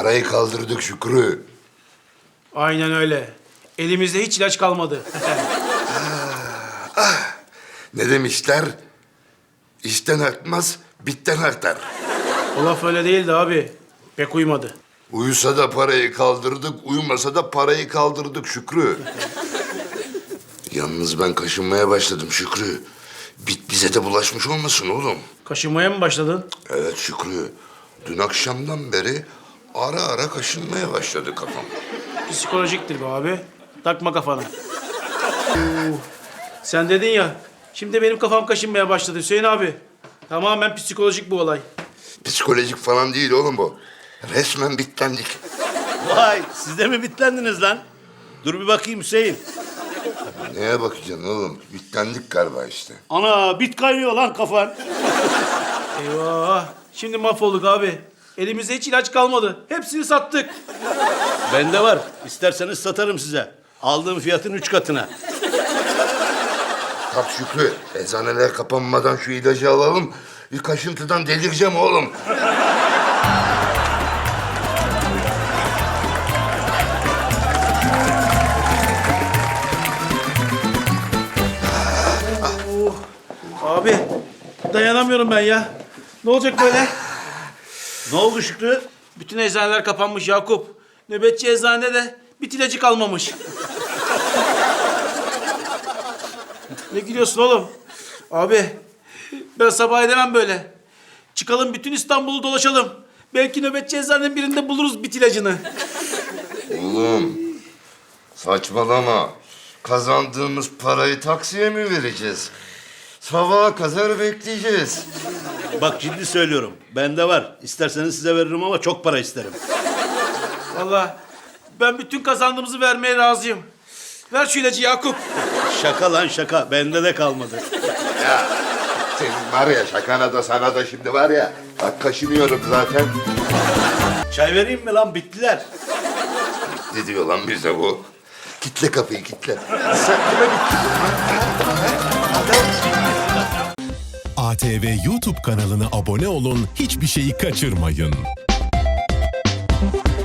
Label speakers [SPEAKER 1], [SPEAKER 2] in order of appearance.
[SPEAKER 1] Parayı kaldırdık Şükrü.
[SPEAKER 2] Aynen öyle. Elimizde hiç ilaç kalmadı.
[SPEAKER 1] Ne demişler? İşten artmaz, bitten artar.
[SPEAKER 2] O laf öyle değildi abi. Pek uymadı.
[SPEAKER 1] Uyusa da parayı kaldırdık, uyumasa da parayı kaldırdık Şükrü. Yalnız ben kaşınmaya başladım Şükrü. Bit bize de bulaşmış olmasın oğlum.
[SPEAKER 2] Kaşınmaya mı başladın?
[SPEAKER 1] Evet Şükrü. Dün akşamdan beri ara ara kaşınmaya başladı kafam.
[SPEAKER 2] Psikolojiktir bu abi. Takma kafana. Sen dedin ya. Şimdi benim kafam kaşınmaya başladı Hüseyin abi. Tamamen psikolojik bu olay.
[SPEAKER 1] Psikolojik falan değil oğlum bu. Resmen bitlendik.
[SPEAKER 3] Vay, siz de mi bitlendiniz lan? Dur bir bakayım Hüseyin.
[SPEAKER 1] Neye bakacaksın oğlum? Bitlendik galiba işte.
[SPEAKER 3] Ana, bit kaynıyor lan kafan.
[SPEAKER 2] Eyvah. Şimdi mahvolduk abi. Elimizde hiç ilaç kalmadı. Hepsini sattık.
[SPEAKER 3] Bende var. İsterseniz satarım size. Aldığım fiyatın 3 katına.
[SPEAKER 1] Kalk Şükrü. Eczaneler kapanmadan şu ilacı alalım. Bir kaşıntıdan delireceğim oğlum.
[SPEAKER 2] Abi dayanamıyorum ben ya. Ne olacak böyle?
[SPEAKER 3] Ne oldu Şükrü?
[SPEAKER 2] Bütün eczaneler kapanmış Yakup. Nöbetçi eczanede de bit ilacı kalmamış. Ne gülüyorsun oğlum? Abi ben sabah edemem böyle. Çıkalım bütün İstanbul'u dolaşalım. Belki nöbetçi eczanenin birinde buluruz bit ilacını.
[SPEAKER 1] Oğlum saçmalama. Kazandığımız parayı taksiye mi vereceğiz? Sabaha kadar bekleyeceğiz.
[SPEAKER 3] Bak ciddi söylüyorum. Bende var. İsterseniz size veririm ama çok para isterim.
[SPEAKER 2] Vallahi ben bütün kazandığımızı vermeye razıyım. Ver şu ilacı Yakup.
[SPEAKER 3] Şaka lan şaka. Bende de kalmadı.
[SPEAKER 1] Senin var ya şakana da sana da şimdi var ya. Bak kaşınıyorum zaten.
[SPEAKER 3] Çay vereyim mi lan? Bittiler.
[SPEAKER 1] Ne diyor lan bize bu? Kitle kapıyı kitle. Sen kime bittin
[SPEAKER 4] ATV YouTube kanalına abone olun, hiçbir şeyi kaçırmayın.